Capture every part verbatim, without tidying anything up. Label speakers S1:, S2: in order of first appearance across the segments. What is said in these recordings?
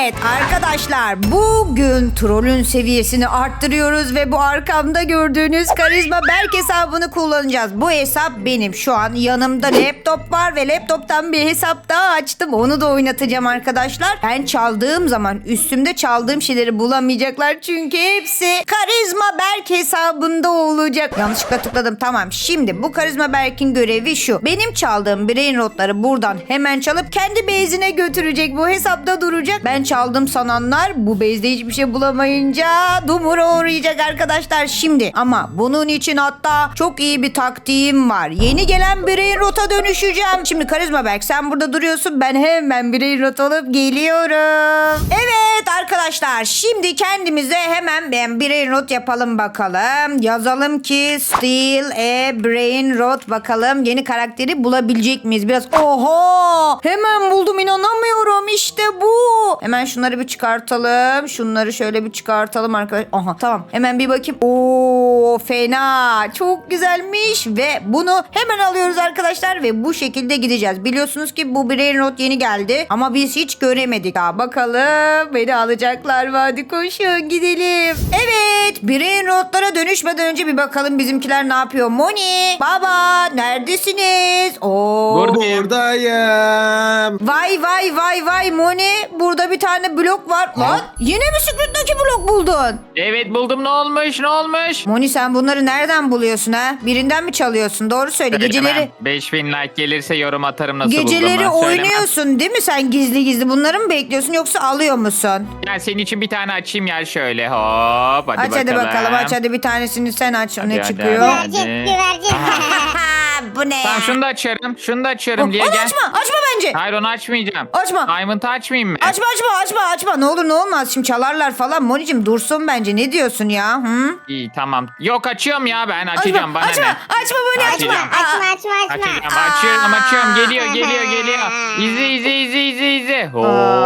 S1: Evet arkadaşlar, bugün trollün seviyesini arttırıyoruz ve bu arkamda gördüğünüz karizma Berk hesabını kullanacağız. Bu hesap benim. Şu an yanımda laptop var ve laptoptan bir hesap daha açtım. Onu da oynatacağım arkadaşlar. Ben çaldığım zaman üstümde çaldığım şeyleri bulamayacaklar. Çünkü hepsi karizma Berk hesabında olacak. Yanlışlıkla tıkladım. Tamam. Şimdi bu karizma Berk'in görevi şu. Benim çaldığım brain rotları buradan hemen çalıp kendi base'ine götürecek. Bu hesapta duracak. Ben çaldım sananlar bu base'de hiçbir şey bulamayınca dumura uğrayacak arkadaşlar şimdi. Ama bunun için hatta çok iyi bir taktiğim var. Yeni gelen brain rota dönüşeceğim. Şimdi karizma Berk sen burada duruyorsun. Ben hemen brain rot olup geliyorum. Evet arkadaşlar, şimdi kendimize hemen ben brain rot yapalım bakalım. Yazalım ki steal a brain rot, bakalım yeni karakteri bulabilecek miyiz? Biraz oho, hemen buldum, inanamıyorum, işte bu. Hemen şunları bir çıkartalım. Şunları şöyle bir çıkartalım arkadaşlar. Aha tamam, hemen bir bakayım. Oo fena, çok güzelmiş ve bunu hemen alıyoruz arkadaşlar ve bu şekilde gideceğiz. Biliyorsunuz ki bu brain rot yeni geldi ama biz hiç göremedik. Daha bakalım beni alacaklar mı? Hadi koşun gidelim. Evet, brain rotlara dönüşmeden önce bir bakalım bizimkiler ne yapıyor. Moni, baba neredesiniz? Oo.
S2: Buradayım.
S3: Buradayım.
S1: Vay vay vay vay Moni, burada bir tane blok var. Lan yine mi Secret'taki blok buldun?
S2: Evet buldum, ne olmuş ne olmuş?
S1: Moni sen bunları nereden buluyorsun ha? Birinden mi çalıyorsun? Doğru söyle. Geceleri
S2: beş bin like gelirse yorum atarım nasıl
S1: geceleri
S2: bulduğumu.
S1: oynuyorsun değil mi sen, gizli gizli bunları mı bekliyorsun yoksa alıyor musun?
S2: Yani senin için bir tane açayım ya şöyle hop hadi
S1: aç
S2: bakalım.
S1: hadi bakalım, aç hadi bir tanesini sen aç.
S2: Hadi,
S1: Ne
S2: hadi,
S1: çıkıyor?
S2: hadi.
S4: Güvercin, güvercin.
S1: Bu ne ya?
S2: Tamam şunu da açarım şunu da açarım diye
S1: Onu
S2: gel.
S1: açma, açma bence.
S2: Hayır onu açmayacağım.
S1: Açma.
S2: Diamond'ı açmayayım mı?
S1: Açma açma açma açma, ne olur ne olmaz, şimdi çalarlar falan. Monicim dursun bence, ne diyorsun ya? Hı?
S2: İyi tamam. Yok açıyorum ya ben açacağım bana
S1: açma,
S2: ne?
S1: açma Moni, açma.
S2: Açacağım.
S4: Açma açma açma.
S2: Açacağım açıyorum açıyorum geliyor geliyor geliyor. İzle izle izle izle izle. Hop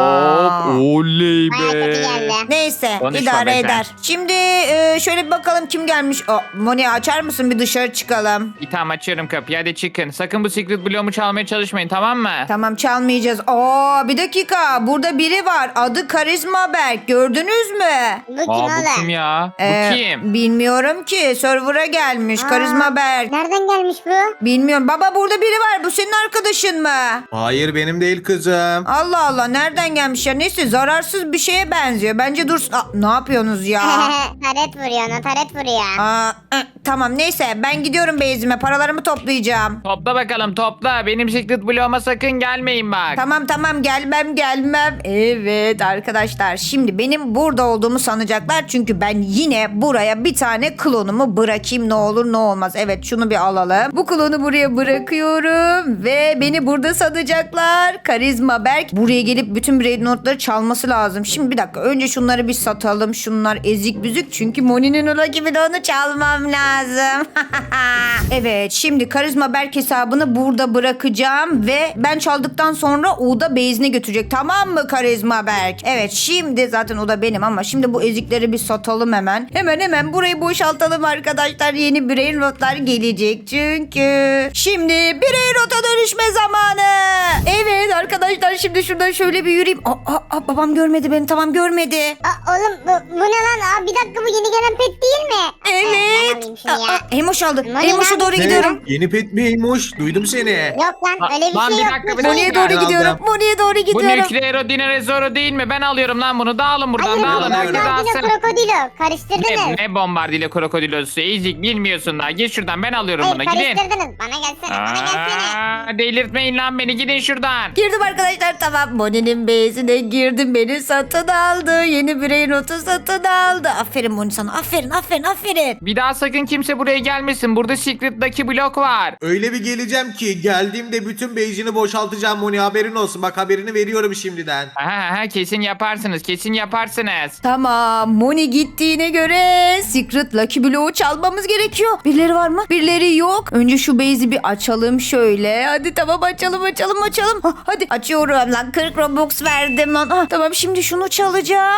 S1: Aa.
S2: oley
S4: Baya kötü
S2: be.
S4: geldi.
S1: Neyse
S2: Konuşma
S1: idare
S2: be sen.
S1: eder. Şimdi e, şöyle bir bakalım kim gelmiş. Oh, Moni açar mısın, bir dışarı çıkalım.
S2: İyi tamam açıyorum kapıyı hadi çıkın. Sakın bu secret bloğumu çalmaya çalışmayın tamam mı?
S1: Tamam çalmayacağız. Aa bir dakika, burada biri var. Adı Karizma Berk. Gördünüz mü?
S4: Bu kim
S2: Aa bu
S4: oğlum?
S2: kim ya?
S1: Ee,
S2: Bu kim?
S1: Bilmiyorum ki. Server'a gelmiş.
S4: Aa,
S1: Karizma Berk.
S4: Nereden gelmiş bu?
S1: Bilmiyorum. Baba burada biri var. Bu senin arkadaşın mı?
S3: Hayır benim değil kızım.
S1: Allah Allah, nereden gelmiş ya? Neyse, zararsız bir şeye benziyor. Bence dursun. Aa, ne yapıyorsunuz ya?
S4: taret vuruyor ona, taret vuruyor.
S1: Aa, ı, tamam neyse, ben gidiyorum base'ime. Paralarımı toplayacağım.
S2: Topla bakalım topla. Benim secret bloğuma sakın gelmeyin bak.
S1: Tamam tamam, gelmem gelmem. Evet arkadaşlar, şimdi benim burada olduğumu sanacaklar. Çünkü ben yine buraya bir tane klonumu bırakayım, ne olur ne olmaz. Evet şunu bir alalım. Bu klonu buraya bırakıyorum. Ve beni burada sanacaklar. Karizma Berk buraya gelip bütün brain notları çalması lazım. Şimdi bir dakika, önce şunları bir satalım. Şunlar ezik büzük. Çünkü Moni'nin o rakibi de onu çalmam lazım. Evet şimdi Karizma Berk hesabını burada bırakacağım. Ve ben çaldıktan sonra o da base'ine götürecek. Tamam mı Karizma Berk? Evet şimdi zaten o da benim ama şimdi bu ezikleri bir satalım hemen. Hemen hemen burayı boşaltalım arkadaşlar. Yeni brain rotlar gelecek çünkü. Şimdi brain rota dönüşme zamanı. Evet arkadaşlar, şimdi şuradan şöyle bir yürüyeyim. Aa, aa, aa, babam görmedi beni, tamam görmedi.
S4: Aa, oğlum bu, bu ne lan? Aa, bir dakika, bu yeni gelen pet değil mi? Aa, ben
S1: Evet.
S4: alayım şunu
S1: Aa,
S4: ya.
S1: aa, Emoş aldı.
S4: Moni
S1: Emoş'a
S4: lan.
S1: doğru
S3: Ne?
S1: gidiyorum.
S3: Yeni pet miymiş? Duydum seni.
S4: Yok lan,
S2: Aa,
S4: öyle bir
S2: lan
S4: şey
S2: bir
S4: yok.
S2: dakika, bir
S4: Bu
S1: Moni'ye
S4: şey-
S1: doğru
S3: Ben
S1: gidiyorum.
S3: aldım.
S1: Moni'ye doğru
S2: Bu
S1: gidiyorum.
S2: nükleero dinere zoro değil mi? Ben alıyorum lan bunu. Dağılın buradan
S4: Hayır,
S2: dağılın.
S4: bu
S2: Herkes
S4: bombardino
S2: alsın.
S4: krokodilo. Karıştırdınız.
S2: Ne, ne bombardıyla krokodilosu? Ezik bilmiyorsun daha. Git şuradan ben alıyorum
S4: Hayır,
S2: bunu. Gidin.
S4: karıştırdınız. Bana gelsene, bana gelsene.
S2: Aa, delirtmeyin lan beni. Gidin şuradan.
S1: Girdim arkadaşlar, tamam. Moni'nin base'ine girdim. Beni satın aldı. Yeni brain notu satın aldı. Aferin Moni sana. Aferin aferin aferin.
S2: Bir daha sakın kimse buraya gelmesin. Burada secret'daki blok var.
S3: Öyle bir geleceğim ki geldiğimde bütün base'ini boşaltacağım Moni, haberin olsun. Bak haberini veriyorum şimdiden.
S2: Aha, aha, kesin yaparsınız. Kesin yaparsınız.
S1: Tamam, Moni gittiğine göre Secret Lucky Block'u çalmamız gerekiyor. Birileri var mı? Birileri yok. Önce şu base'i bir açalım şöyle. Hadi tamam, açalım açalım açalım. Ha, hadi açıyorum lan, kırk Robux verdim lan. Ha, tamam şimdi şunu çalacağım.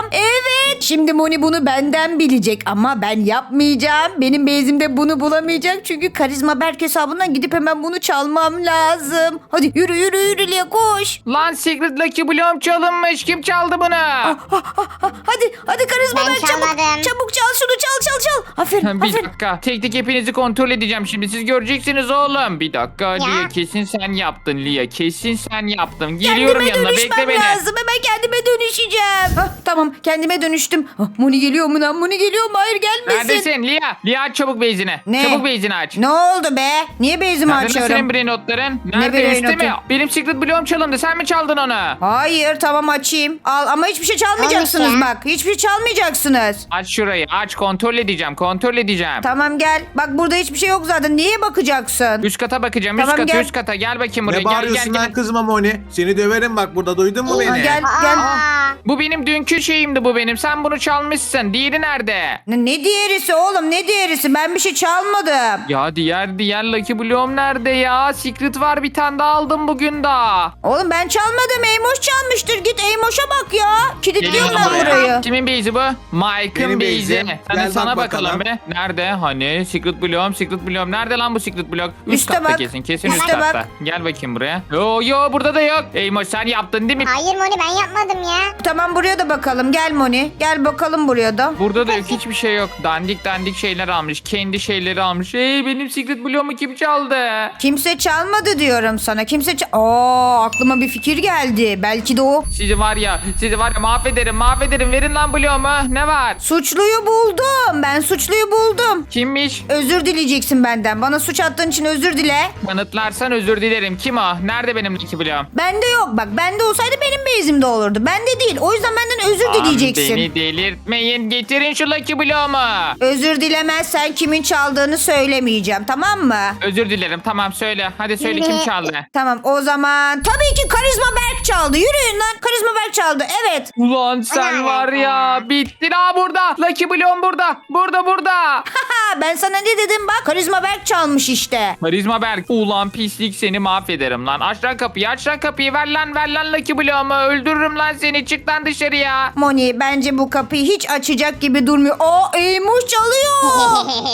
S1: Evet. Şimdi Moni bunu benden bilecek ama ben yapmayacağım. Benim bezimde bunu bulamayacak. Çünkü Karizma Berk hesabından gidip hemen bunu çalmam lazım. Hadi yürü yürü yürü Lia koş.
S2: Lan Secret Lucky Bloom çalınmış. Kim çaldı bunu?
S1: Ah, ah, ah, ah. Hadi hadi Karizma
S4: Ben
S1: Berk çabuk.
S4: çalmadım.
S1: Çabuk çal şunu çal çal çal. Aferin
S2: Bir
S1: aferin.
S2: dakika. Tek tek hepinizi kontrol edeceğim şimdi. Siz göreceksiniz oğlum. Bir dakika Lia, kesin sen yaptın Lia. Kesin sen yaptın. Geliyorum
S1: Kendime
S2: yanına.
S1: dönüşmem
S2: Bekle beni.
S1: lazım. Hemen kendime dönüşeceğim. Hah, tamam kendime dönüştüm. Ah, Moni geliyor mu lan? Moni geliyor mu? Hayır gelmesin.
S2: Neredesin Lia? Lia aç çabuk beyzini.
S1: Ne?
S2: Çabuk beyzini aç.
S1: Ne oldu be? Niye bezimi
S2: Nerede
S1: açıyorum?
S2: senin brain notların? Nerede
S1: brain
S2: üstte mi?
S1: notu?
S2: Benim Secret Bloom çalındı. Sen mi çaldın onu?
S1: Hayır tamam açayım. Al ama hiçbir şey çalmayacaksınız
S4: Olmuş ya.
S1: bak. Hiçbir şey çalmayacaksınız.
S2: Aç şurayı. Aç kontrol edeceğim. Kontrol edeceğim.
S1: Tamam gel. Bak burada hiçbir şey yok zaten. Niye bakacaksın?
S2: Üst kata bakacağım.
S1: Tamam,
S2: üst kata
S1: gel.
S2: üst kata. Gel bakayım buraya.
S3: Ne
S2: Gel gel
S3: bağırıyorsun
S2: gel.
S3: lan kızma Moni? Seni döverim bak burada, duydun mu
S1: Ha,
S3: beni?
S1: gel gel.
S4: Aa,
S2: Bu benim dünkü şeyimdi bu benim. Sen bunu çalmışsın. Diğeri nerede?
S1: Ne, ne diğerisi oğlum ne diğerisi? Ben bir şey çalmadım.
S2: Ya diğer diğer Lucky Bloom nerede ya? Secret var bir tane daha aldım bugün daha.
S1: Oğlum ben çalmadım. Eymoş çalmıştır. Git Eymoş'a bak ya. Kilitliyorum
S2: Geliyorum
S1: ben
S2: buraya.
S1: burayı.
S2: Kimin base'i bu? Mike'ın
S3: Benim
S2: base'i.
S3: base'im.
S2: Hadi
S3: Gel
S2: sana
S3: bak
S2: bakalım
S3: bakalım.
S2: be. Nerede? Hani Secret Bloom, Secret Bloom. Nerede lan bu Secret Bloom? Üst
S1: Üste
S2: katta
S1: bak.
S2: kesin. Kesin üst
S1: Üste
S2: katta.
S1: bak.
S2: Gel bakayım buraya. Yo yo burada da yok. Eymoş sen yaptın değil mi?
S4: hayır Moni ben yapmadım ya.
S1: Tamam buraya da bakalım. Gel Moni. Gel bakalım buraya da.
S2: Burada da yok hiçbir şey yok. Dandik dandik şeyler almış. Kendi şeyleri almış. Hey benim Secret Bloom'u kim çaldı?
S1: Kimse çalmadı diyorum sana. Kimse çal... Aa aklıma bir fikir geldi. Belki de o.
S2: Sizi var ya, sizi var ya mahvederim, mahvederim. Verin lan Bloom'u. Ne var?
S1: Suçluyu buldum. Ben suçluyu buldum.
S2: Kimmiş?
S1: Özür dileyeceksin benden. Bana suç attığın için özür dile.
S2: Kanıtlarsan özür dilerim. Kim o? Nerede benim Lucky Bloom?
S1: Bende yok. Bak bende olsaydı benim bezimde olurdu. Bende değil. O yüzden benden özür
S2: Aman
S1: dileyeceksin.
S2: Beni delirtmeyin. Getirin şu Lucky Bloom'u.
S1: Özür dilemezsen kimin çaldığını söylemeyeceğim. Tamam mı?
S2: Özür dilerim. Tamam söyle. Hadi söyle kim çaldı?
S1: Tamam o zaman tabii ki Karizma Berk çaldı. Yürüyün lan. Karizma Berk çaldı. Evet.
S2: Ulan sen
S4: Ana
S2: var ya. Bittin ha burada. Lucky Bloom burada. Burada burada.
S1: Haha ben sana ne dedim bak. Karizma Berk çalmış işte.
S2: Karizma Berk. Ulan pislik seni mahvederim lan. Aç lan kapıyı. Aç lan kapıyı. Ver lan ver lan Lucky Bloom'u. Öldürürüm lan seni. Çık lan dışarıya.
S1: Moni bence bu kapıyı hiç açacak gibi durmuyor. Aa Eymuş çalıyor.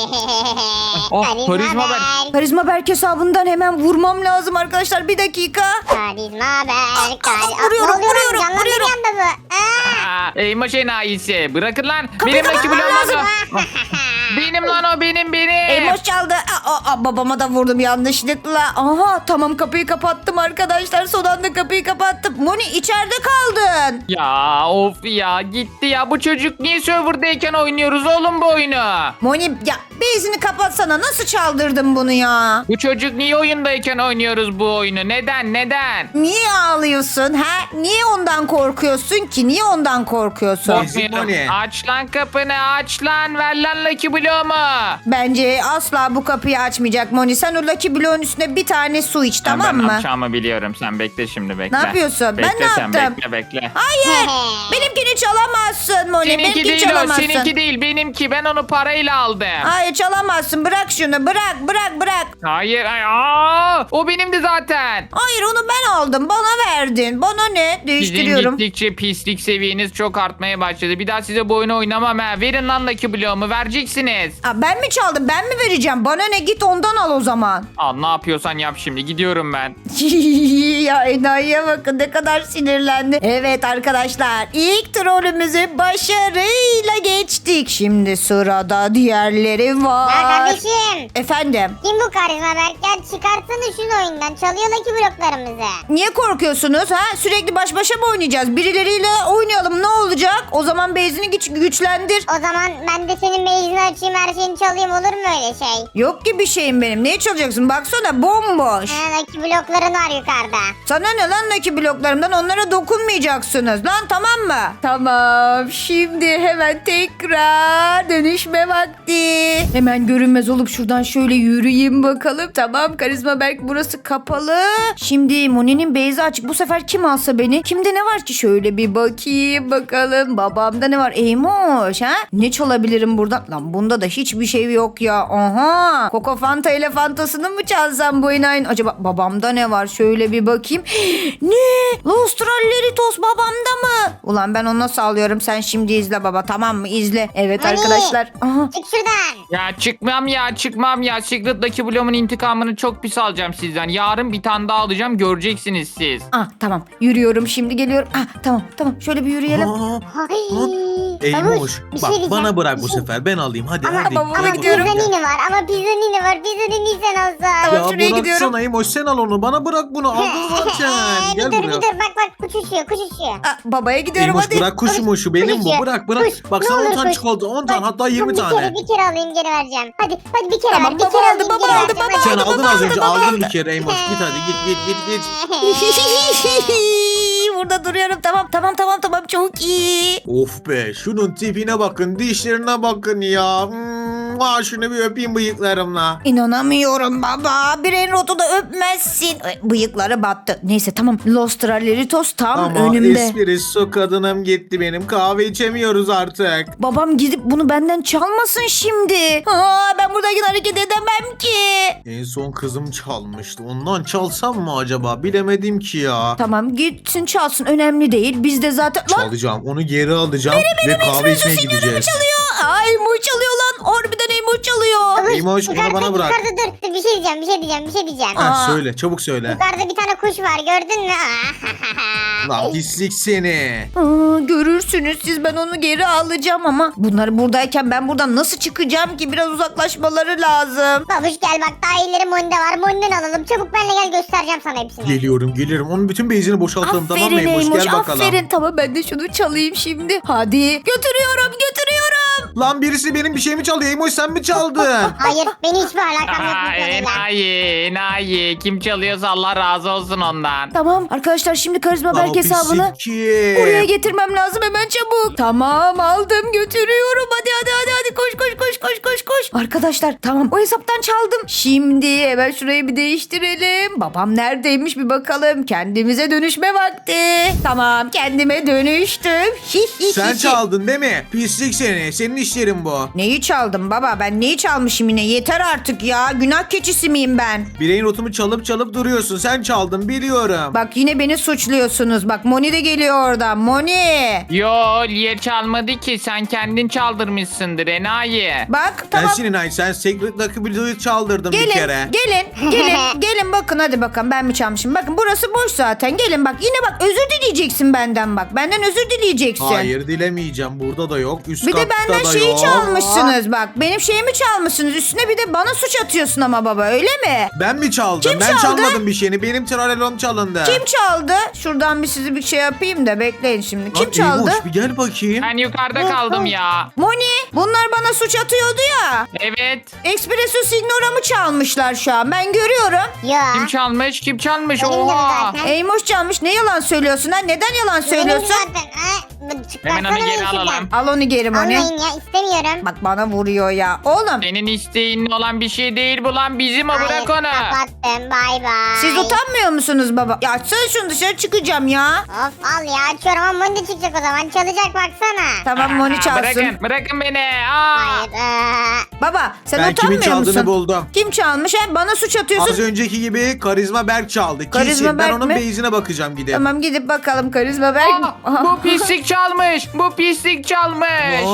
S2: Oh, Karizma Berk.
S1: Karizma Berk hesabından hemen vurmam lazım arkadaşlar. Bir dakika.
S4: Karizma Berk. Kar-
S1: vuruyorum,
S4: Aa, ne oluyor lan?
S1: vuruyorum,
S4: Canlandı
S1: vuruyorum.
S4: bir anda bu. Aa.
S2: Aa, Eymoş enayisi. Bırakın lan.
S1: Kapıyı
S2: benim Lucky
S1: kapatmam
S2: Bloom
S1: lazım.
S2: oldu. Benim lan o benim benim.
S1: Eymuş çaldı. Aa, aa, babama da vurdum yanlışlıkla. Aha tamam kapıyı kapattım arkadaşlar. Son anda kapıyı kapattım. Moni içeride kaldın.
S2: Ya of ya gitti ya. Bu çocuk niye serverdayken oynuyoruz oğlum bu oyunu?
S1: Moni ya bezini kapatsana. Nasıl çaldırdın bunu ya?
S2: Bu çocuk niye oyundayken oynuyoruz bu oyunu? Neden neden?
S1: Niye ağlıyorsun ha? Niye ondan korkuyorsun ki? Niye ondan korkuyorsun?
S3: Ezik Moni.
S2: Aç lan kapını aç lan. Ver lan Lucky Bloom'u.
S1: Bence asla bu kapıyı açmayacak Moni. Sen o Lucky Block'un üstüne bir tane su iç tamam
S2: ben
S1: mı?
S2: ne yapacağımı biliyorum. Sen bekle şimdi bekle.
S1: Ne yapıyorsun? Ben
S2: Bekle
S1: ne
S2: sen,
S1: yaptım?
S2: Bekle bekle.
S1: Hayır. Benimkini çalamazsın Moni.
S2: Seninki
S1: Benimkini
S2: değil o.
S1: çalamazsın.
S2: Seninki değil. Benimki. Ben onu parayla aldım.
S1: Hayır çalamazsın. Bırak şunu. Bırak bırak bırak.
S2: Hayır. Ay, aa, o benimdi zaten.
S1: Hayır onu ben aldım. Bana verdin. Bana ne?
S2: Sizin
S1: Değiştiriyorum.
S2: gittikçe pislik seviyeniz çok artmaya başladı. Bir daha size bu oyunu oynamam ha. Verin lan Lucky Bloom'u. Vereceksiniz.
S1: Aa, ben mi çaldım? Ben mi vereceğim? Bana ne? Git ondan al o zaman.
S2: Al ne yapıyorsan yap şimdi. Gidiyorum ben.
S1: Ya enayiye bakın ne kadar sinirlendi. Evet arkadaşlar ilk trolümüzü başarıyla geçtik. Şimdi sırada diğerleri
S4: Ya
S1: var.
S4: kardeşim.
S1: Efendim
S4: Kim bu Karizma Berk? Ya çıkartsana şunu oyundan. Çalıyor Lucky bloklarımızı.
S1: niye korkuyorsunuz ha? Sürekli baş başa mı oynayacağız? Birileriyle oynayalım ne olacak? O zaman bezini güç, güçlendir.
S4: O zaman ben de senin meyzini açayım, her şeyini çalayım, olur mu öyle şey?
S1: Yok ki bir şeyim benim. Neye çalacaksın? Baksana bomboş.
S4: Ha, Lucky blokların var yukarıda.
S1: Sana ne lan Lucky bloklarımdan? Onlara dokunmayacaksınız lan tamam mı? Tamam. Şimdi hemen tekrar dönüşme vakti. Hemen görünmez olup şuradan şöyle yürüyeyim bakalım. Tamam Karizma Berk burası kapalı. Şimdi Moni'nin beyzi açık. Bu sefer kim alsa beni? Kimde ne var ki? Şöyle bir bakayım bakalım. bakalım. Babamda ne var? Eymoş ha? Ne çalabilirim buradan? Lan bunda da hiçbir şey yok ya. Aha. Coco Fanta ile Fantasını mı çalsam bu inayın? Acaba babamda ne var? Şöyle bir bakayım. Ne? Lostralleritos babamda mı? Ulan ben onu nasıl alıyorum? Sen şimdi izle baba, tamam mı? İzle. Evet
S4: Hani?
S1: arkadaşlar. Aha.
S4: Çık şuradan.
S2: Ya çıkmam ya çıkmam ya. Secret Lucky Bloom'un intikamını çok pis alacağım sizden. Yarın bir tane daha alacağım, göreceksiniz siz.
S1: Ah tamam. Yürüyorum şimdi, geliyorum. Ah tamam tamam. Şöyle bir yürüyelim.
S3: Aa,
S4: Ay.
S3: Eymoş.
S4: Babuş, bir
S3: Bak
S4: şey diyeceğim.
S3: bana bırak
S4: Bir
S3: bu
S4: şey-
S3: sefer. Ben alayım. Hadi
S4: Ama,
S3: hadi.
S1: babama
S4: ama
S3: Hadi
S1: gidiyorum.
S4: pizzanini var ama pizzanini var. Pizzanini sen alsan.
S1: Tamam,
S3: Ya
S1: şuraya gidiyorum.
S3: bıraksana Eymoş, sen al onu. Bana bırak bunu. Aldın zaten.
S4: bir
S3: Gel
S4: dur
S3: buraya.
S4: bir dur bak bak kuş uçuyor kuş uçuyor.
S1: Ah, babaya gidiyorum
S3: Eymoş
S1: hadi.
S3: bırak kuşumu, şu benim bu.
S4: Kuş,
S3: Bırak bırak.
S4: kuş.
S3: Bak
S4: Ne
S3: sana on
S4: olur
S3: tane
S4: kuş.
S3: çikolata. on tane, hatta yirmi
S4: bir
S3: tane.
S4: Kere, bir kere alayım geri vereceğim. Hadi hadi bir kere
S1: Tamam,
S4: ver. Bir
S1: baba
S4: kere
S1: aldı,
S4: alayım
S1: baba
S4: geri
S1: aldı,
S4: vereceğim.
S1: baba
S3: Sen
S1: aldı,
S3: aldın
S1: baba
S3: az
S1: aldı,
S3: önce.
S1: baba
S3: Aldın
S1: aldı.
S3: bir kere Eymoş. Git hadi git git git git.
S1: Burada duruyorum, tamam tamam tamam tamam, çok iyi.
S3: Of be, şunun tipine bakın, dişlerine bakın ya. Hmm, aa, şunu bir öpeyim bıyıklarımla.
S1: İnanamıyorum baba. Bireyin rotu da öpmezsin. Ay, bıyıkları battı. Neyse tamam. Lostraleritos tam
S3: Ama
S1: önümde.
S3: espresso kadınım gitti benim. Kahve içemiyoruz artık.
S1: Babam gidip bunu benden çalmasın şimdi. Aa, ben buradayken hareket edemem ki.
S3: En son kızım çalmıştı. Ondan çalsam mı acaba? Bilemedim ki ya.
S1: Tamam gitsin çalsın, önemli değil. Biz de zaten... Lan
S3: Çalacağım. Onu geri alacağım ve kahve içmeye gideceğiz.
S1: çalıyor. Ay mu çalıyor lan. Harbiden Emo çalıyor.
S4: Babuş,
S3: Eymoş, onu
S4: yukarıda,
S3: bana bırak.
S4: Yukarıda dur. Dur bir şey diyeceğim bir şey diyeceğim bir şey diyeceğim.
S1: Aa.
S3: Ha, söyle, çabuk söyle.
S4: Yukarıda bir tane kuş var gördün mü?
S3: Lan pislik seni.
S1: Aa, görürsünüz siz, ben onu geri alacağım ama bunlar buradayken ben buradan nasıl çıkacağım ki? Biraz uzaklaşmaları lazım.
S4: Babuş gel bak daha iyileri Monde var. Monde'ni alalım. Çabuk benimle gel göstereceğim sana hepsini.
S3: Geliyorum geliyorum. Onun bütün beyzini boşaltalım, tamam mı
S1: Aferin
S3: Eymoş?
S1: Eymoş,
S3: Gel bakalım.
S1: aferin. Tamam ben de şunu çalayım şimdi. Hadi götürüyorum götürüyorum.
S3: Lan birisi benim bir şeyimi çaldı. Eymoş sen mi çaldın?
S4: Hayır benim hiçbir alakam yok
S2: Aa,
S4: bu konuyla.
S2: enayi enayi. Kim çalıyorsa Allah razı olsun ondan.
S1: Tamam arkadaşlar, şimdi karizma
S3: Lan o
S1: belge hesabını
S3: pislik.
S1: buraya getirmem lazım hemen, çabuk. Tamam aldım götürüyorum. Hadi hadi hadi hadi koş koş koş koş koş koş. Arkadaşlar tamam, o hesaptan çaldım. Şimdi hemen şurayı bir değiştirelim. Babam neredeymiş bir bakalım. Kendimize dönüşme vakti. Tamam kendime dönüştüm.
S3: Sen çaldın değil mi? Pislik seni. Senin işlerin bu.
S1: Neyi çaldım baba? Ben neyi çalmışım yine? Yeter artık ya. Günah keçisi miyim ben?
S3: Bireyin rotumu çalıp çalıp duruyorsun. Sen çaldın biliyorum.
S1: Bak yine beni suçluyorsunuz. Bak Moni de geliyor oradan. Moni.
S2: Yo Liye çalmadı ki, sen kendin çaldırmışsındır enayi.
S1: Bak
S3: Ben
S1: tamam.
S3: senin ay sen Secret Lucky Blue'yu çaldırdım bir
S1: Gelin,
S3: kere.
S1: gelin, gelin, gelin bakın hadi bakalım ben mi çalmışım? Bakın burası boş zaten. Gelin bak yine bak özür dileyeceksin benden bak. Benden özür dileyeceksin.
S3: Hayır dilemeyeceğim. Burada da yok. Üst
S1: Bir de
S3: katta
S1: benden
S3: da
S1: şeyi
S3: yok.
S1: çalmışsınız bak. Benim şeyimi çalmışsınız. Üstüne bir de bana suç atıyorsun ama baba, öyle mi?
S3: Ben mi çaldım?
S1: Kim
S3: ben
S1: çaldı?
S3: çalmadım bir şeyini. Benim tralelom çalındı.
S1: Kim çaldı? Şuradan bir sizi bir şey yapayım da bekleyin şimdi. Kim
S3: Lan
S1: çaldı?
S3: Eymoş, bir gel bakayım.
S2: Ben yukarıda kaldım ya.
S1: Moni, bunlar bana suç atıyordu ya.
S2: Evet.
S1: Espresso Signora'mı çalmışlar şu an. Ben görüyorum.
S4: Ya.
S2: Kim çalmış? Kim çalmış?
S4: Benim de
S2: Oha.
S4: zaten.
S1: Eymoş çalmış. Ne yalan söylüyorsun ha? Neden yalan
S4: Benim
S1: söylüyorsun?
S4: zaten. Ha, bu- çıkarsana
S2: Hemen onu
S4: beni
S2: geri
S4: şuradan.
S2: alalım.
S1: Al onu geri Moni.
S4: Almayın ya istemiyorum.
S1: Bak bana vuruyor ya. Oğlum
S2: Senin isteğin olan bir şey değil bu lan, bizim o,
S4: Hayır,
S2: bırak onu.
S4: kapattım bay bay.
S1: siz utanmıyor musunuz baba? Ya açsana şunu, dışarı çıkacağım ya.
S4: Of al ya açıyorum ama Monde çıkacak o zaman. Çalacak baksana.
S1: Tamam Moni
S2: Aa,
S1: çalsın.
S2: Bırakın, bırakın beni. Aa.
S4: Hayır. ee,
S1: Baba sen
S3: Ben kimin
S1: utanmıyor
S3: çaldığını
S1: musun?
S3: buldum.
S1: Kim çalmış ha? Bana suç atıyorsun.
S3: Az önceki gibi Karizma Berk çaldı.
S1: Karizma
S3: Kesin. Ben
S1: Berk
S3: onun
S1: mi?
S3: beyzine bakacağım gidip.
S1: Tamam gidip bakalım karizma ver.
S2: Aa, bu pislik çalmış. Bu pislik çalmış.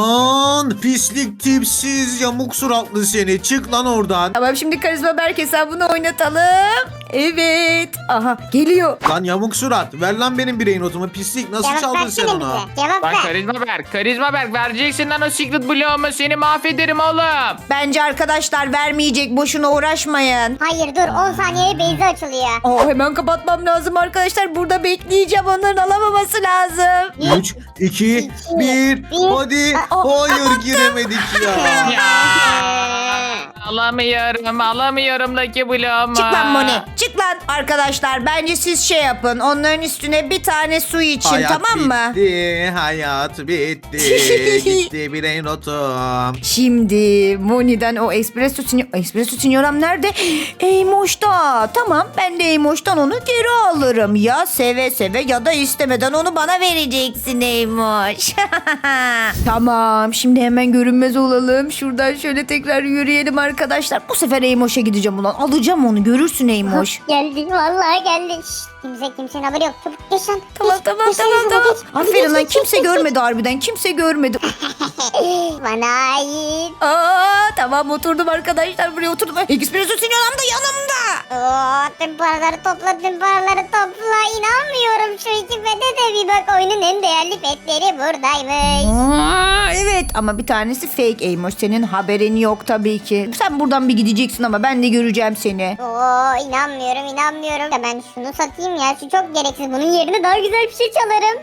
S3: Lan pislik tipsiz yamuk suratlı seni. Çık lan oradan.
S1: Tamam şimdi karizma Berk hesabını oynatalım. Evet. Aha geliyor.
S3: Lan yamuk surat. Ver lan benim bireyin notumu. Pislik nasıl
S4: Cevap
S3: çaldın sen
S4: versene
S3: onu?
S4: bize. Cevap
S2: Bak
S4: ver.
S2: karizma berk. Karizma berk. Vereceksin lan o Secret Blue'umu. Seni mahvederim oğlum.
S1: Bence arkadaşlar vermeyecek. Boşuna uğraşmayın.
S4: Hayır dur on saniyeye Beyza açılıyor.
S1: Aa, hemen kapatmam lazım arkadaşlar. Burada bekleyeceğim. Onların alamaması lazım.
S3: üç, iki, bir. Hadi.
S1: Aa,
S3: Hayır giremedik ya.
S2: Ya. Alamıyorum alamıyorum Lucky Block'umu.
S1: Çık lan Moni. Çık lan arkadaşlar. Bence siz şey yapın. Onların üstüne bir tane su için,
S3: Hayat
S1: tamam mı?
S3: bitti, hayat bitti. Gitti birey notum.
S1: Şimdi Moni'den o espresso sinyor... Espresso sinyoram nerede? Eymoş'ta. Tamam, ben de Eymoş'tan onu geri alırım. Ya seve seve ya da istemeden onu bana vereceksin Eymoş. Tamam, şimdi hemen görünmez olalım. Şuradan şöyle tekrar yürüyelim arkadaşlar. Bu sefer Eymoş'a gideceğim ulan. Alacağım onu, görürsün Eymoş.
S4: Geldi vallahi geldi. Şşt, kimse kimsenin haberi yok. Çabuk geç lan.
S1: Tamam
S4: Geç,
S1: tamam
S4: geç,
S1: tamam
S4: geç,
S1: tamam.
S4: geç. Hadi
S1: Aferin
S4: geç,
S1: lan,
S4: geç,
S1: kimse
S4: geç, geç.
S1: görmedi harbiden, kimse görmedi.
S4: Bana ait.
S1: Aa, tamam oturdum arkadaşlar, buraya oturdum. Espresso sinyoram da yanımda.
S4: Oo, tüm paraları topla, tüm paraları topla. İnanmıyorum, şu iki pete de bir bak. Oyunun en değerli petleri buradaymış.
S1: Aa, evet ama bir tanesi fake Eymoş, senin haberin yok tabii ki. Sen buradan bir gideceksin ama ben de göreceğim seni.
S4: Oo, inanmıyorum, inanmıyorum. Ya ben şunu satayım ya, şu çok gereksiz. Bunun yerine daha güzel bir şey çalarım.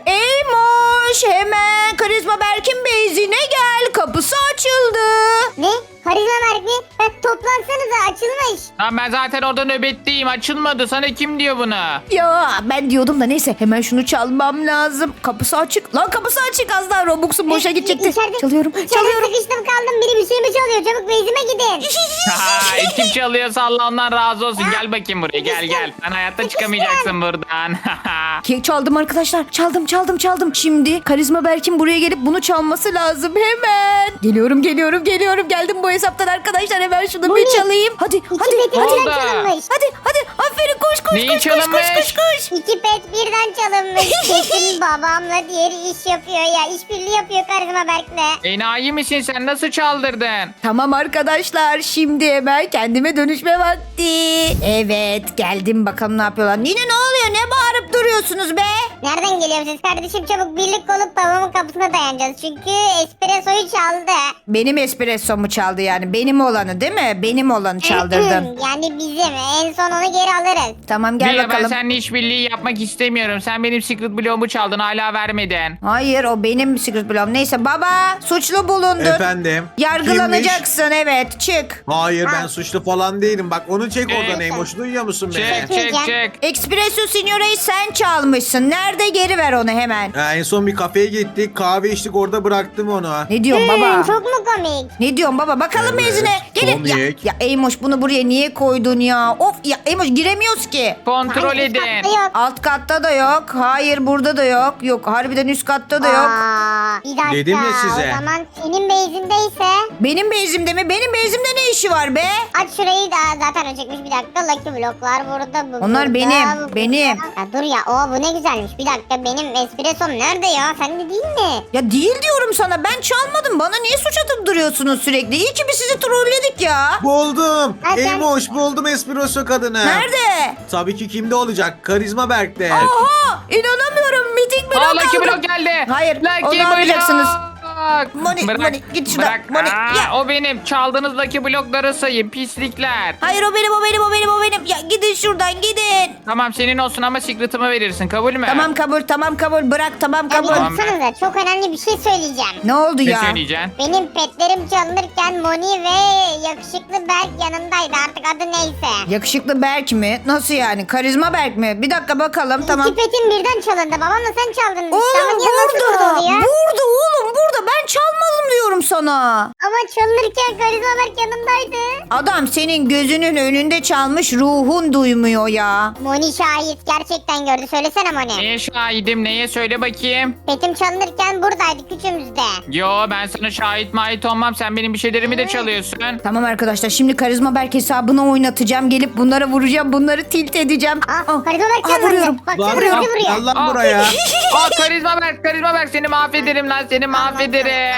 S1: Eymoş, hemen Karizma Berk'in beyzine gel, kapısı açıldı.
S4: Ne? Karizma Berk mi? Ha, toplansanıza, açılmış.
S2: Lan ben zaten orada nöbetteyim açılmadı. Sana kim diyor bunu?
S1: Ya ben diyordum da neyse, hemen şunu çalmam lazım. Kapısı açık. Lan kapısı açık, az daha Robux'um boşa gidecekti.
S4: İçeride-
S1: Çalıyorum
S4: İçeride
S1: çalıyorum.
S4: sıkıştım kaldım. Biri bir şey mi çalıyor? Çabuk bezime gidin.
S2: Ha, kim çalıyorsa Allah ondan razı olsun. Gel bakayım buraya gel gel. Sen hayatta çıkamayacaksın buradan.
S1: Ke- Çaldım arkadaşlar. Çaldım çaldım çaldım. Şimdi Karizma Berk'in buraya gelip bunu çalması lazım hemen. Geliyorum geliyorum geliyorum. Geldim bu hesaptan arkadaşlar. Hemen şunu bir
S4: Moni,
S1: çalayım. Hadi
S4: İki
S1: hadi
S4: pet
S1: hadi.
S4: birden
S2: oldu?
S4: çalınmış.
S1: Hadi hadi. Aferin, koş koş
S2: Neyi
S1: koş, koş
S2: çalınmış?
S1: koş koş koş.
S4: İki pet birden çalınmış. Kesin babamla diğeri iş yapıyor ya. İşbirliği yapıyor Karizma Berk'le.
S2: Enayi misin sen nasıl çaldırdın?
S1: Tamam arkadaşlar, şimdi hemen kendime dönüşme vakti. Evet, geldim, bakalım ne yapıyorlar. Yine ne oluyor, ne bağırıp duruyorsunuz be?
S4: Nereden geliyorsunuz kardeşim? Çabuk birlik olup babamın kapısına dayanacağız. Çünkü espressoyu çaldı.
S1: Benim espressomu çaldı yani, benim olanı değil mi? Benim olanı çaldırdım.
S4: Yani bizim. En son onu geri alırız.
S1: Tamam gel
S2: Niye ben
S1: bakalım.
S2: seninle işbirliği yapmak istemiyorum. Sen benim secret bloğumu çaldın hala vermedin.
S1: Hayır, o benim secret bloğum. Neyse baba, suçlu bulundun.
S3: Efendim.
S1: Yargılanacaksın, evet, çık.
S3: Kimmiş? Hayır ben suçlu falan değilim. Bak onu çek oradan
S2: Evet.
S3: Eymoş. Duyuyor musun
S2: Çek
S3: beni?
S2: çek çek.
S1: Espresso Signora'yı sen çalmışsın. Nerede, geri ver onu hemen.
S3: Ha, en son bir kafeye gittik. Kahve içtik, orada bıraktım onu.
S1: Ne diyorsun baba?
S4: Hmm, çok mu komik?
S1: Ne diyorsun baba? Bakalım
S3: Evet,
S1: mezine. Gelin. Ya,
S3: komik.
S1: ya Eymoş, bunu buraya niye koydun ya? Of ya Eymoş, giremiyoruz ki.
S2: Kontrol
S4: Hangi
S2: edin.
S4: katta yok?
S1: Alt katta da yok. Hayır, burada da yok. Yok, harbiden üst katta da yok.
S4: Aa, bir dakika.
S3: Dedim ya size.
S4: O zaman senin bezindeyse
S1: Benim bezimde mi? Benim bezimde ne işi var be?
S4: aç şurayı da zaten o çekmiş. Bir dakika, Lucky bloklar burada. Bu
S1: Onlar
S4: burada,
S1: benim,
S4: bu burada.
S1: benim.
S4: Ya dur ya, o bu ne güzelmiş. Bir dakika, benim espressom nerede ya? Sende değil mi?
S1: Ya değil diyorum sana. Ben çalmadım. Bana niye suç atıp duruyorsunuz sürekli? İyi ki biz sizi trolledik ya.
S3: Buldum.
S4: Ha, sen-
S3: Eymoş buldum espresso kadını.
S1: Nerede?
S3: Tabii ki kimde olacak? Karizma Berk'te.
S1: Oha! İnanamıyorum. Miting blok
S2: Aa Lucky
S1: aldım.
S2: Block geldi.
S1: Hayır,
S2: Lucky
S1: onu almayacaksınız.
S2: Block.
S1: Moni,
S2: Bırak,
S1: Moni, git şuradan.
S2: bırak.
S1: Moni,
S2: Aa,
S1: ya.
S2: O benim. Çaldığınız Lucky Block'ları sayın pislikler.
S1: Hayır, o benim, o benim, o benim, o benim. Ya gidin şuradan, gidin.
S2: Tamam senin olsun ama secret'ımı verirsin kabul mü?
S1: Tamam kabul, tamam kabul. Bırak, tamam
S4: Ya bir
S1: kabul.
S2: Tamam.
S4: dursanıza, çok önemli bir şey söyleyeceğim.
S1: Ne oldu
S2: Ne
S1: ya?
S2: söyleyeceksin?
S4: Benim petlerim çalınırken Moni ve yakışıklı Berk yanındaydı, artık adı neyse.
S1: Yakışıklı Berk mi? Nasıl yani? Karizma Berk mi? Bir dakika bakalım, tamam.
S4: İki petin birden çalındı. Babamla sen çaldın.
S1: Oğlum
S4: Ama niye nasıl burada
S1: burada.
S4: oluyor?
S1: Burada oğlum, burada. Ben çalmadım diyorum sana.
S4: Ama çalınırken Karizma Berk yanındaydı.
S1: Adam senin gözünün önünde çalmış, ruhun duymuyor ya.
S4: Moni şahit, gerçekten gördü. Söylesene Moni.
S2: Neye şahidim neye söyle bakayım.
S4: Petim çalınırken buradaydık üçümüzde.
S2: Yo ben sana şahit mahit olmam sen benim bir şeylerimi de çalıyorsun.
S1: Tamam arkadaşlar, şimdi Karizma Berk hesabına oynatacağım. Gelip bunlara vuracağım. Bunları tilt edeceğim.
S4: Ah,
S1: Ah,
S4: Karizma Berk
S1: ah,
S4: çalındı.
S1: vuruyorum.
S4: Bak
S3: Lan,
S4: sana vuruyor
S3: lan,
S4: vuruyor.
S3: lan, lan
S2: Aa.
S3: buraya.
S2: Aa karizma berk karizma berk seni mahvederim lan seni mahvederim.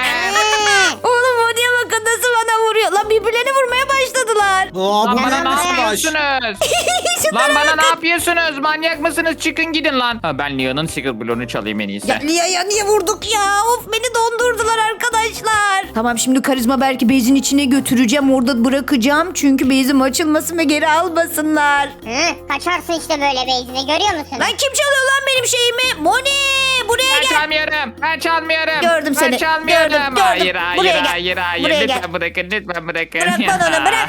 S1: Oğlum o diye bakın nasıl bana vuruyor. Lan birbirlerine vurmaya başladılar.
S3: Aa,
S2: Lan
S3: bu
S2: bana
S3: ne
S2: ne
S3: nasıl baş?
S2: yapıyorsunuz? Lan bana ne yapıyorsunuz? Manyak mısınız? Çıkın gidin lan. Ha, ben Leon'un secret bloğunu çalayım en iyisi.
S1: Ya Lia'ya niye vurduk ya? Of, beni dondurdular arkadaşlar. Tamam şimdi karizma belki bezin içine götüreceğim. Orada bırakacağım. Çünkü bezim açılmasın ve geri almasınlar.
S4: Hı, kaçarsın işte böyle beyzine görüyor musun?
S1: Lan kim çalıyor lan benim şeyimi? Moni buraya
S2: Ben
S1: gel.
S2: çalmıyorum. Ben çalmıyorum.
S1: Gördüm
S2: ben
S1: seni.
S2: çalmıyorum.
S1: Gördüm, gördüm.
S2: Hayır hayır
S1: Buraya gel.
S2: hayır hayır.
S1: Buraya gel.
S2: Lütfen bırakın lütfen bırakın.
S1: Bırak bana onu bırak.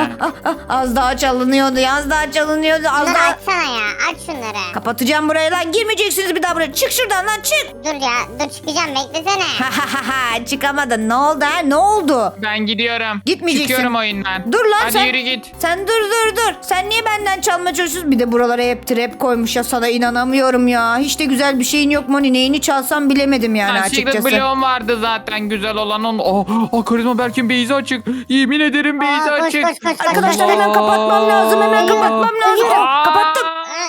S1: Az daha çalınıyordu. Az daha çalınıyordu. Az
S4: Bunları
S1: daha...
S4: açsana ya aç şunları.
S1: Kapatacağım burayı lan. Girmeyeceksiniz bir daha buraya. Çık şuradan lan çık.
S4: Dur ya dur çıkacağım beklesene.
S1: Çıkamadın. Ne oldu ha? Ne oldu?
S2: Ben gidiyorum.
S1: Gitmeyeceksin.
S2: Çıkıyorum oyundan.
S1: Dur lan
S2: Hadi
S1: sen.
S2: yürü git.
S1: Sen dur dur dur. Sen niye benden çalma çalışıyorsun? Bir de buralara hep trap koymuş ya, sana inanamıyorum ya. Hiç de güzel bir şeyin yok Moni. Neyini çalsam bilemedim yani
S2: Ha, Secret
S1: açıkçası.
S2: bloğum vardı zaten güzel olan. Onun... Oh, oh, karizma Berk'in beyzi açık. Yemin ederim beyzi
S4: Aa, koş,
S2: açık.
S4: koş, koş, koş,
S1: Arkadaşlar
S4: koş.
S1: hemen kapatmam lazım. Hemen kapatmam lazım.
S2: Aa,
S1: Kapattım.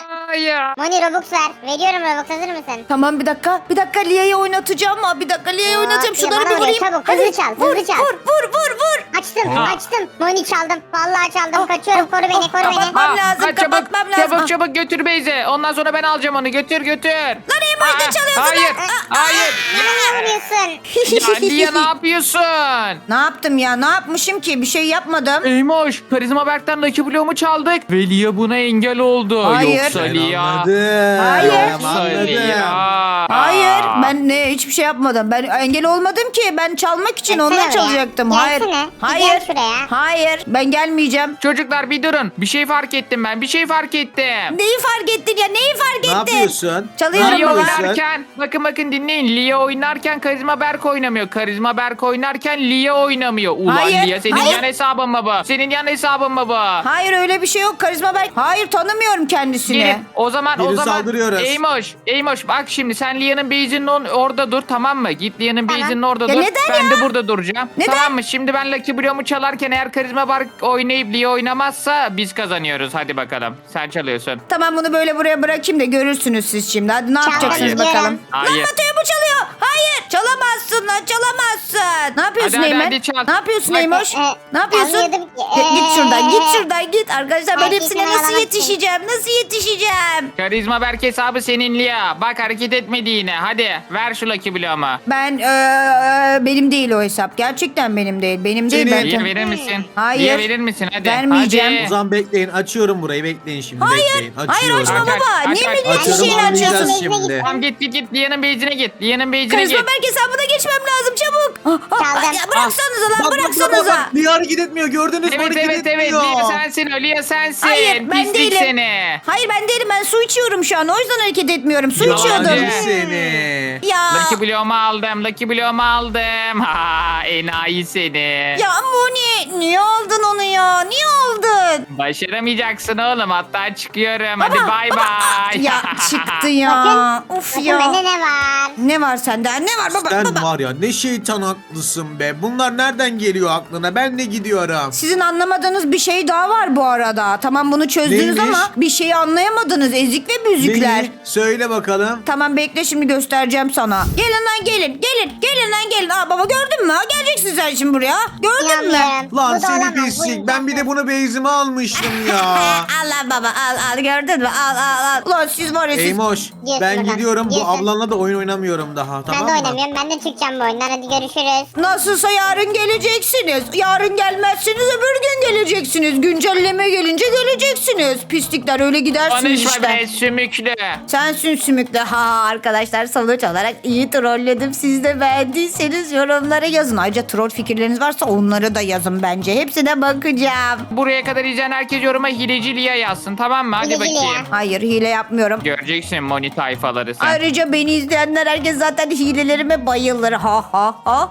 S2: ya.
S4: Moni Robux ver. Veriyorum Robux hazır mısın?
S1: Tamam bir dakika. Bir dakika Lia'yı oynatacağım. Aa, bir dakika Lia'yı
S4: Aa,
S1: oynatacağım.
S4: ya
S1: Şunları
S4: bana
S1: bir
S4: ver,
S1: vurayım.
S4: çabuk, hızlı çal,
S1: vur,
S4: hızlı çal.
S1: Vur vur vur vur.
S4: Açtım
S2: Ha.
S4: açtım. Moni çaldım. Vallahi çaldım.
S1: Ah,
S4: Kaçıyorum
S1: ah,
S4: koru beni
S1: ah,
S4: koru beni.
S1: kapatmam lazım,
S2: ha, çabuk,
S1: kapatmam lazım.
S2: Çabuk çabuk götür beyzi. Ondan sonra ben alacağım onu. Götür götür.
S1: Lan en başta
S2: Aa,
S1: çalıyorsun
S2: Hayır
S1: lan.
S2: hayır.
S4: Bana vuruyorsun.
S2: Ya Lia ne yapıyorsun?
S1: Ne yaptım ya? Ne yapmışım ki? Bir şey yapmadım.
S2: Eymoş, Karizma Berk'ten Lucky Bloğumu çaldık ve Lia buna engel oldu.
S1: Hayır.
S2: Yoksa
S3: Ben
S2: Lia.
S3: anladım.
S1: Hayır.
S3: Ben
S2: Yoksa
S3: anladım.
S2: Lia.
S1: Hayır ben ne hiçbir şey yapmadım. Ben engel olmadım ki. Ben çalmak için
S4: Gelsene
S1: ondan
S4: buraya.
S1: çalacaktım. Hayır.
S4: Gelsene. Bir
S1: Hayır.
S4: gel şuraya.
S1: Hayır. Ben gelmeyeceğim.
S2: Çocuklar bir durun. Bir şey fark ettim ben. Bir şey fark ettim.
S1: Neyi fark ettin ya? Neyi fark ettin?
S3: Ne yapıyorsun?
S1: Çalıyorum
S3: Ne
S2: Lia
S1: baba.
S3: yapıyorsun?
S2: oynarken bakın bakın dinleyin. Lia oynarken Karizma Berk oynamıyor. Karizma Berk oynarken Lia oynamıyor. Ulan
S1: Hayır,
S2: Lia senin
S1: hayır.
S2: yan hesabın mı bu? Senin yan hesabın mı bu?
S1: Hayır öyle bir şey yok. Karizma Berk. Hayır tanımıyorum kendisini.
S2: Gelin. O zaman o
S3: Gelin
S2: zaman
S3: saldırıyoruz.
S2: Eymoş, Eymoş bak şimdi sen Lia'nın base'inin on- orada dur tamam mı? Git Lia'nın
S4: Tamam.
S2: base'inin orada
S1: Ya
S2: dur.
S1: neden
S2: ben
S1: ya?
S2: de burada duracağım.
S1: Neden?
S2: Tamam mı? Şimdi ben Lucky Bloğumu çalarken eğer Karizma Berk oynayıp Lia oynamazsa biz kazanıyoruz. Hadi bakalım. Sen çalıyorsun.
S1: Tamam bunu böyle buraya bırakayım da görürsünüz siz şimdi. Hadi ne yapacaksınız
S2: Hayır.
S1: bakalım.
S2: Hayır.
S1: Lan Batu'ya bu çalıyor. Hayır. Çalamazsın lan çalamazsın. Ne yapıyorsun
S2: Hadi, hadi,
S1: Eymen?
S2: hadi çal.
S1: Ne yapıyorsun
S2: Bak,
S1: Eymoş?
S4: e,
S1: Ne yapıyorsun?
S4: anlıyordum ki,
S1: Git, git
S4: e,
S1: şuradan git
S4: e,
S1: şuradan git. Arkadaşlar ben
S4: herkesi
S1: hepsine nasıl
S4: oyalamak
S1: yetişeceğim? Nasıl yetişeceğim?
S2: Karizma Berk hesabı senin Lia. Bak hareket etmedi yine. Hadi ver şu Lucky Bloğumu.
S1: Ben eee, benim değil o hesap. Gerçekten benim değil. Benim değil.
S3: Senin.
S1: Ben
S2: Lia verir misin?
S1: Hayır.
S2: Lia verir misin? Hadi.
S1: Vermeyeceğim.
S2: Hadi.
S3: O zaman bekleyin. Açıyorum burayı. Bekleyin şimdi.
S1: Hayır.
S3: Bekleyin.
S1: Hayır
S3: Açıyorum.
S1: açma
S2: Aç, aç,
S1: baba.
S2: aç,
S1: Niye
S2: aç.
S1: benim her
S3: Açıyorum,
S1: şeyini açıyorsun?
S3: anlayacağız
S4: Açıyorsun.
S3: şimdi.
S2: Tamam git git git. Lia'nın base'ine git. Lia'nın base'ine
S1: Karizma
S2: git.
S1: Berk hesabına geçmem lazım çabuk. Ah, ah,
S4: Çaldım.
S1: ya bıraksanıza lan
S3: Bak, bak, bak,
S1: bıraksanıza.
S3: bak. Niye hareket etmiyor? Gördünüz mü?
S2: Evet
S3: Hareket
S2: evet evet.
S3: etmiyor.
S2: Lia sensin o. Lia sensin.
S1: Hayır ben
S2: Pislik
S1: değilim.
S2: seni.
S1: Hayır ben değilim ben su içiyorum şu an o yüzden hareket etmiyorum. Su
S2: Yalancı.
S1: içiyordum.
S3: Yalancı seni.
S1: Ya.
S2: Lucky Bloğumu aldım. Lucky Bloğumu aldım. Ha enayi seni.
S1: Ya Moni niye aldın onu ya? Niye aldın?
S2: Başaramayacaksın oğlum. Hatta çıkıyorum. Hadi
S1: Baba,
S2: bay
S1: baba, ah,
S2: bay.
S1: Ya çıktı ya.
S4: Bakın.
S1: Of
S4: Bakın
S1: ya.
S4: bende ne var?
S1: Ne var sende? Ne var baba?
S3: Sen
S1: baba.
S3: var ya ne şeytan haklısın be. Bunlar nereden geliyor aklına? Ben de gidiyorum.
S1: Sizin anlamadığınız bir şey daha var bu arada. Tamam bunu çözdünüz
S3: Neymiş?
S1: ama bir şeyi anlayamadınız. Ezik ve büzükler.
S3: Neyi? Söyle bakalım.
S1: Tamam bekle şimdi göstereceğim sana. Gelin lan gelin. Gelin. Gelin lan gelin. Aa baba gördün mü? Geleceksin sen şimdi buraya. Gördün mü?
S4: İnanmıyorum.
S3: Lan
S4: Bu da
S3: seni
S4: olamaz, bu
S3: pislik. Ben bir de
S4: imkansız.
S3: bunu beyzime almıştım ya.
S1: Al lan baba al al gördün mü? Al al al. Ulan siz var ya siz.
S3: Eymoş
S4: Girsin
S3: ben
S4: buradan,
S3: gidiyorum. Bu
S4: girsin.
S3: ablanla da oyun oynamıyorum daha. Tamam
S4: Ben de
S3: mı?
S4: oynamıyorum. Ben de çıkacağım bu oyundan. Hadi görüşürüz.
S1: Nasılsa yarın geleceksiniz. Yarın gelmezseniz öbür gün geleceksiniz. Güncelleme gelince geleceksiniz. Pislikler öyle gidersiniz
S2: Konuşma
S1: işte.
S2: be sümüklü.
S1: Sensin sümüklü. Ha arkadaşlar sonuç olarak iyi trolledim. Siz de beğendiyseniz yorumlara yazın. Ayrıca troll fikirleriniz varsa onları da yazın bence. Hepsine bakacağım.
S2: Buraya kadar izleyen herkes yoruma hileci Lia yazsın tamam mı? Hadi
S4: Hileci
S2: bakayım.
S4: Lia.
S1: Hayır hile yapmıyorum.
S2: Göreceksin Moni tayfaları sen.
S1: Ayrıca beni izleyenler herkes zaten hilelerime bayılır. Ha ha ha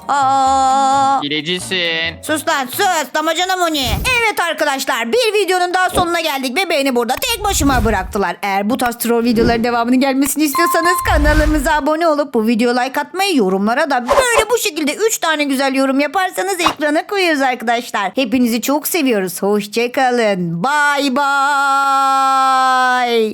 S1: ha.
S2: Hilecisin.
S1: Sus lan sus damacana Moni. Evet arkadaşlar bir videonun daha sonuna geldik ve beni burada tek başıma bıraktılar. Eğer bu tarz troll videoların devamının gelmesini istiyorsanız kanalımıza abone olup bu videoya like atmayı, yorumlara da böyle bu şekilde üç tane güzel yorum yaparsanız ekrana koyuyoruz arkadaşlar. Hepinizi çok seviyoruz. Hoşçakalın. Bye bye.